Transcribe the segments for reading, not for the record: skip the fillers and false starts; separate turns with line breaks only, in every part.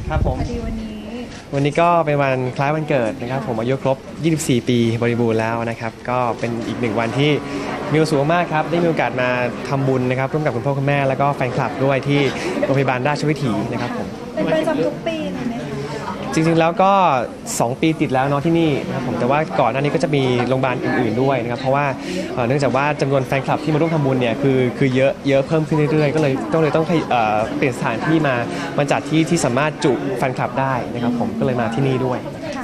ครับผม
พอดี
วันนี้ก็เป็นวันคล้ายวันเกิดนะครับผมอายุครบ 24 ปีบริบูรณ์แล้วนะครับก็เป็นอีกหนึ่งวันที่มีความสุขมากครับได้มีโอกาสมาทำบุญนะครับร่วมกับคุณพ่อคุณแม่แล้วก็แฟนคลับด้วยที่โรงพยาบาลราชวิถีนะครับผม
เป็นประจำทุกปีเลยไหมคะ
จริงๆแล้วก็ 2 ปีติดแล้วเนาะที่นี่นะครับผมแต่ว่าก่อนหน้านี้ก็จะมีโรงพยาบาลอื่นๆด้วยนะครับเพราะว่าเนื่องจากว่าจำนวนแฟนคลับที่มาร่วมทำบุญเนี่ยคือเยอะเพิ่มขึ้นเรื่อยๆก็เลยต้องเปลี่ยนสถานที่มาจัดที่สามารถจุแฟนคลับได้นะครับผมก็เลยมาที่นี่ด้วย
ค่ะ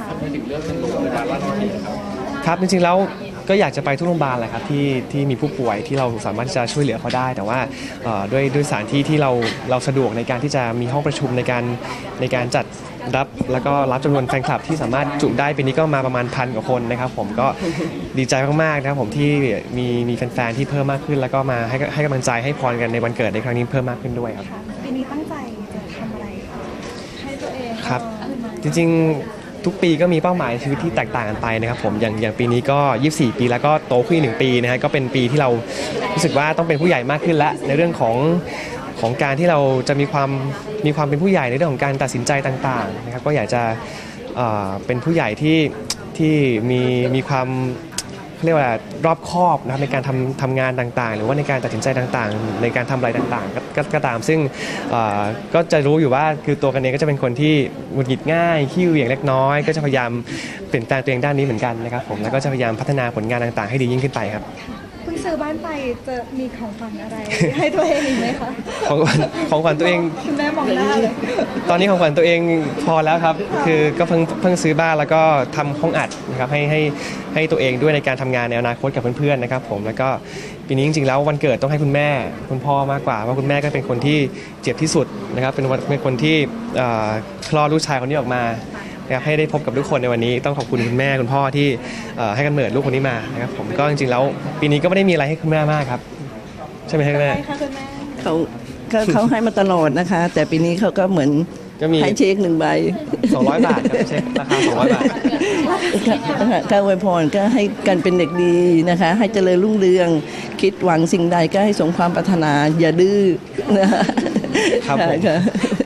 ครับจริงๆแล้วก็อยากจะไปทุกโรงพยาบาลแหละครับที่มีผู้ป่วยที่เราสามารถจะช่วยเหลือเขาได้ แต่ว่าด้วยสถานที่ที่เราสะดวกในการที่จะมีห้องประชุมในการจัดรับแล้วก็รับจำนวนแฟนคลับที่สามารถจุได้ปีนี้ก็มาประมาณ1,000 กว่าคนนะครับผมก็ดีใจมากๆนะครับผมที่มีแฟนๆที่เพิ่มมากขึ้น แล้วก็มาให้กำลังใจให้พรกันในวันเกิดในครั้งนี้เพิ่มมากขึ้นด้วยครับ
ค่ะปีนี้ตั้งใจจะทำอะไรคะให้ตัวเอง
ครับจริงๆทุกปีก็มีเป้าหมายชีวิตที่แตกต่างกันไปนะครับผมอย่างปีนี้ก็ 24 ปีแล้วก็โตขึ้น1 ปีนะฮะก็เป็นปีที่เรารู้สึกว่าต้องเป็นผู้ใหญ่มากขึ้นแล้วในเรื่องของการที่เราจะมีความเป็นผู้ใหญ่ในเรื่องของการตัดสินใจต่างๆนะครับก็อยากจะเป็นผู้ใหญ่ที่มีความเรียกว่ารอบคอบนะครับในการทำงานต่างๆหรือว่าในการตัดสินใจต่างๆในการทำอะไรต่างๆก็ตามซึ่งก็จะรู้อยู่ว่าคือตัวกันเองก็จะเป็นคนที่หงุดหงิดง่ายขี้เหวี่ยงเล็กน้อยก็จะพยายามเปลี่ยนแปลงตัวเองด้านนี้เหมือนกันนะครับผมแล้วก็จะพยายามพัฒนาผลงานต่างๆให้ดียิ่งขึ้นไปครับ
เพิ่งซื้อบ้านไปจะมีของขวัญอะไร ให้ตัวเองอีกไหมคะ
ของขวัญตัวเอง
คุณแม่มองหน้าเลย
ตอนนี้ของขวัญตัวเองพอแล้วครับคือก็เพิ่งซื้อบ้านแล้วก็ทำห้องอัดนะครับให้ตัวเองด้วยในการทำงานในอนาคตกับเพื่อนๆนะครับผมแล้วก็ปีนี้จริงๆแล้ววันเกิดต้องให้คุณแม่คุณพ่อมากกว่าเพราะคุณแม่ก็เป็นคนที่เจ็บที่สุดนะครับเป็นคนที่คลอดลูกชายคนนี้ออกมานะครับให้ได้พบกับทุกคนในวันนี้ต้องขอบคุณคุณแม่คุณพ่อที่ให้กำเนิดลูกคนนี้มานะครับผมก็จริงๆแล้วปีนี้ก็ไม่ได้มีอะไรให้คุณแม่มากครับใช่ไหมครับคุณแม่
ใช่ค่ะคุณแม่
เขาให้มาตลอดนะคะ แต่ปีนี้เขาก็เหมือน
ก็มี
ให้เช็ค1 ใบ
200 บาทครับเช็คราคา200 บาท
ก็อวยพรก็ให้กันเป็นเด็กดีนะคะ ให้เจริญรุ่งเรืองคิดหวังสิ่งใดก็ให้สมความปรารถนาอย่าดื้อนะคะ
ครับผม
ค่ะ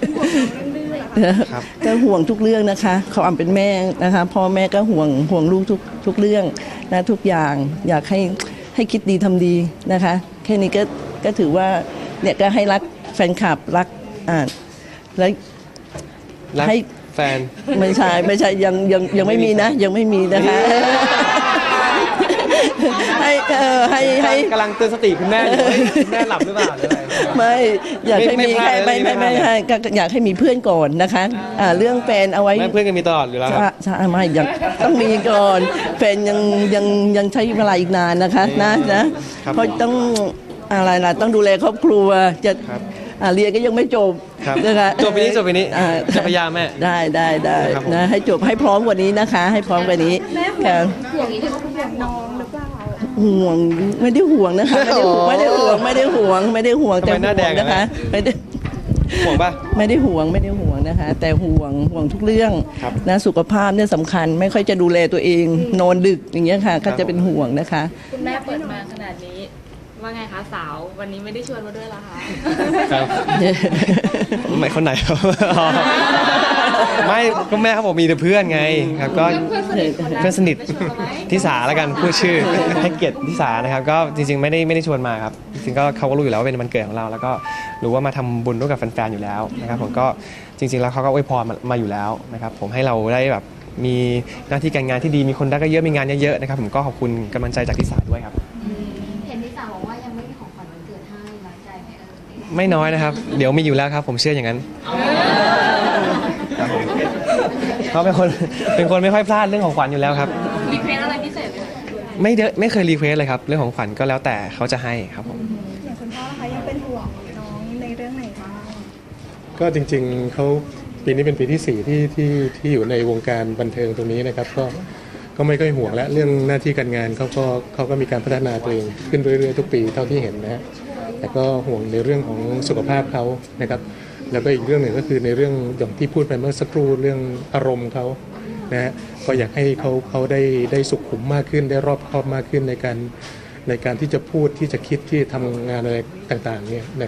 ครับ
ก็ห่วงทุกเรื่องนะคะเขาอำเป็นแม่นะคะพ่อแม่ก็ห่วงลูกทุกเรื่องนะทุกอย่างอยากให้คิดดีทำดีนะคะแค่นี้ก็ถือว่าเนี่ยก็ให้รักแฟนคลับรักแล้ว
รัก
ให้
แฟน
ไม่ใช่ยังไม่มีนะยังไม่มีนะคะ ให้
กำลังเตือนสติคุณแม่อยู่คุณแม่หลับหรือเปล่าหรืออะไร
ไม่อยากให้
ไม่
มี
พลาดเลย
ไม่ให้ก็อยากให้มีเพื่อนก่อนนะคะเรื่องแฟนเอาไว้
แม่เพื่อนกันมีตลอดอยู่แล้วครับ
ใช่ไม่ยังต้องมีก่อนแฟนยังใช้เวลาอีกนานนะคะนะครับ เพราะต้องอะไรล่ะต้องดูแลครอบครัวจะ
ครับ
เรียนก็ยังไม่จบ
ครับ
นะคะ
จบปีนี้
อ่า
จะพยายามแม่
ได้
ครับผม
นะให้จบให้พร้อมกว่านี้นะคะ ให้พร้อมกว่านี้
แม่ห่ว
ค่ะ
งน้องหรือเปล่า
ห่วงไม่ได้ห่วงนะคะไม่ได้ห่วงแต่
ทำไม
ห่วง
หน้าแดงอะ
นะคะไม่ได้
ห่วงป่ะ
ไม่ได้ห่วงนะคะ แต่ห่วงทุกเรื่อง
ครับ
นะสุขภาพเนี่ยสำคัญไม่ค่อยจะดูแลตัวเองนอนดึกอย่างเงี้ยค่ะ ก็จะเป็นห่วงนะคะ
คุณแม่เปิดมาขนาดนี้ ว่าไงคะสาววันนี้ไม่ได้ชวนมาด้วยเหรอคะ
ครับไม่คนไหนครับ อ๋อไม่ก็แม่เขาบอกมีแต่เพื่อนไงครับก็เพื่อนสนิททิสาแล้วกันพูดชื่อให้เกียรติทิสานะครับก็จริงๆไม่ได้ชวนมาครับจริงๆก็เขาก็รู้อยู่แล้วว่าเป็นวันเกิดของเรา แล้วก็รู้ว่ามาทำบุญร่วมกับแฟนๆอยู่แล้วนะครับผมก็จริงๆแล้วเขาก็อวยพรมาอยู่แล้วนะครับผมให้เราได้แบบมีหน้าที่การงานที่ดีมีคนรักก็เยอะมีงานเยอะๆนะครับผมก็ขอบคุณกำลังใจจากทิสาด้วยครับ
เห็นที่สาวบอกว่ายังไม่มีของขวัญวันเกิดให้น้อยใจไหมเอ่ย
ไม่น้อยนะครับ เดี๋ยวมีอยู่แล้วครับ ผมเชื่ออย่างนั้นครับผมเขาเป็นคนไม่ค่อยพลาดเรื่องของขวัญอยู่แล้วครับ
มีเพลงอะไรพิเศษไหมคะ
ไม่เคยรีเควสเลยครับ เรื่องของขวัญก็แล้วแต่เขาจะให้ครับผม
อย่างคุณพ่อนะคะยังเป็นห่วงน้องในเรื่องไหนบ้าง
ก็จริงๆเขาปีนี้เป็นปีที่4ที่อยู่ในวงการบันเทิงตรงนี้นะครับก็ไม่ค่อยห่วงและเรื่องหน้าที่การงานเขาก็มีการพัฒนาตัวเองขึ้นเรื่อยๆทุกปีเท่าที่เห็นนะฮะแต่ก็ห่วงในเรื่องของสุขภาพเขานะครับแล้วก็อีกเรื่องหนึ่งก็คือในเรื่องอย่างที่พูดไปเมื่อสักครู่เรื่องอารมณ์เขานะฮะก็อยากให้เขาได้สุขุมมากขึ้นได้รอบคอบมากขึ้นในการที่จะพูดที่จะคิดที่ทำงานอะไรต่างๆเนี่ยนะครับ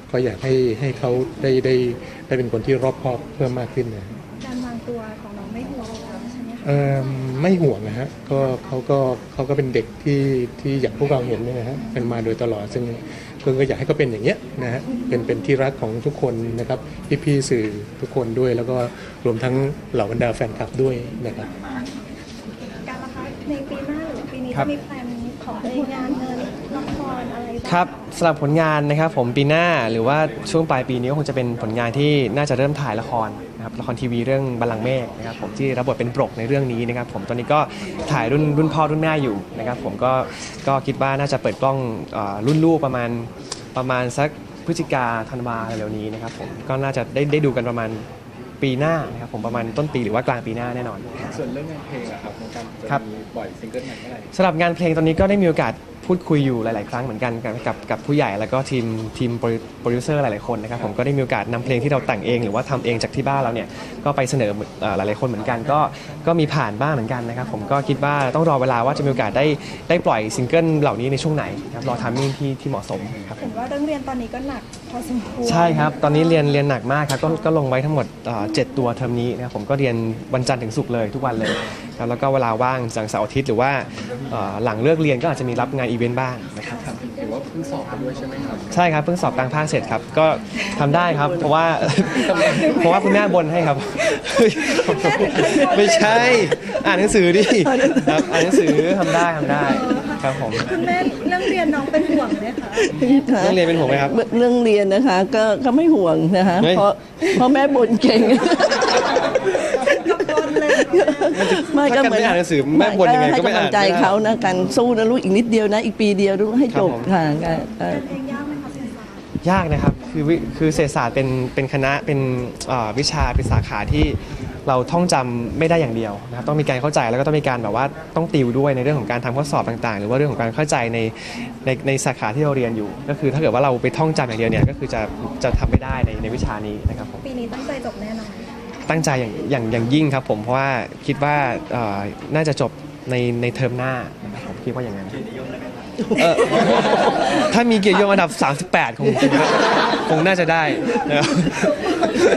ก็อยากให้เขาได้เป็นคนที่รอบคอบเพิ่มมากขึ้นนะ
การวางตัวของน้องไม่ห่วงแล้วใช่ไหมคะ
ไม่ห่วงนะฮะก็เขาก็เป็นเด็กที่อย่างพวกเราเห็นเนี่ยนะฮะเป็นมาโดยตลอดซึ่งก็อยากให้เขาเป็นอย่างเงี้ยนะฮะเป็นที่รักของทุกคนนะครับพี่ๆสื่อทุกคนด้วย แล้วก็รวมทั้งเหล่าบรรดาแฟนคลับด้วยนะครับ
การละคะในปีหน้าหรือปีนี้
ครั
จะ
บ
มีแพลนของตัวเองงานเงินละครอะไราง
ครับสำหรับผลงานนะครับผมปีหน้าหรือว่าช่วงปลายปีนี้ก็คงจะเป็นผลงานที่น่าจะเริ่มถ่ายละครนะครับละครทีวีเรื่องบัลลังก์เมฆนะครับผมที่รับบทเป็นปรกในเรื่องนี้นะครับผมตอนนี้ก็ถ่ายรุ่นพ่อรุ่นแม่อยู่นะครับผมก็คิดว่าน่าจะเปิดกล้องรุ่นลูกประมาณสักพฤศจิกาธันวาเร็วๆนี้นะครับผมก็น่าจะได้ดูกันประมาณปีหน้านะครับผมประมาณต้นปีหรือว่ากลางปีหน้าแน่นอน
ส่วนเรื่องงานเพลงอะครับของการ
ครั
จะ
บ
มีปล่อยซิงเกิลใหม่เมื่อไหร่
สำหรับงานเพลงตอนนี้ก็ได้มีโอกาสพูดคุยอยู่หลาย ๆ ครั้งเหมือนกันกับผู้ใหญ่แล้วก็ทีมโปรดิวเซอร์หลาย ๆ คนนะครับผมก็ได้มีโอกาสนำเพลงที่เราแต่งเองหรือว่าทำเองจากที่บ้านเราเนี่ยก็ไปเสนอหลาย ๆ คนเหมือนกันก็มีผ่านบ้างเหมือนกันนะครับผมก็คิดว่าต้องรอเวลาว่าจะมีโอกาสได้ปล่อยซิงเกิลเหล่านี้ในช่วงไหนครับรอทัมมิ่งที่เหมาะสมครับ
เห็นว่าเรื่องเรียนตอนนี้ก็หนักพอสมควร
ใช่ครับ ตอนนี้เรียนหนักมากครับก็ลงไว้ทั้งหมด7 ตัวเทอมนี้นะครับผมก็เรียนวันจันทร์ถึงศุกร์เลยทุกวันเลยครับแล้วก็เวลาว่างจากเสาร์อาทิตย์หรือว่าหลังเลิกเรียนก็อาจจะมีรับงานอีเวนต์บ้างนะครับ
หรือว่าเพิ่งสอบไปด้วยใช่ไหมครับ
ใช่ครับเพิ่งสอบกลางภาคเสร็จครับก็ทำได้ครับ เพราะว่า คุณแม่บนให้ครับ ไม่ใช่อ่านหนังสือดิครับอ่านหนังสือทำได้ครับผม
คุณแม่เรื่องเรียนน้องเป็นห่วงไหมคะ
ต้องเรียนเป็นผมไหมครับ
เรื่องเรียนนะคะก็ไม่ห่วงนะคะ
เฮ้ย
เพราะแม่บ่นเก่ง
กับบนเลย
ไม่ก็
ถ้ากันไม่อ่านหนังสือแม่บ่นยังไงก็ไม่อ่าน
ให้กำลังใจเขานะกันสู้นะลูกอีกนิดเดียวนะอีกปีเดียวลูกให้จบ
ครับผม
ค่ะ
เพลงยากไหมคะเสียงสาร
ยากนะครับคือเศรษฐศาสตร์เป็นคณะเป็นวิชาเป็นสาขาที่เราท่องจำไม่ได้อย่างเดียวนะครับต้องมีการเข้าใจแล้วก็ต้องมีการแบบว่าต้องติวด้วยในเรื่องของการทำข้อสอบต่างๆ หรือว่าเรื่องของการเข้าใจในสาขาที่เราเรียนอยู่ ก็คือถ้าเกิดว่าเราไปท่องจำอย่างเดียวเนี่ยก็คือจะทำไม่ได้ในวิชานี้นะครับผม
ปีนี้ตั้งใจจบแน่นอน
ตั้งใจอย่างยิ่งครับผมเพราะว่าคิดว่าน่าจะจบในเทอมหน้านะครับผมคิดว่าอย่างนั้นถ้ามีเกียรตินิยมอันดับ 38 คงน่าจะได้นะครับ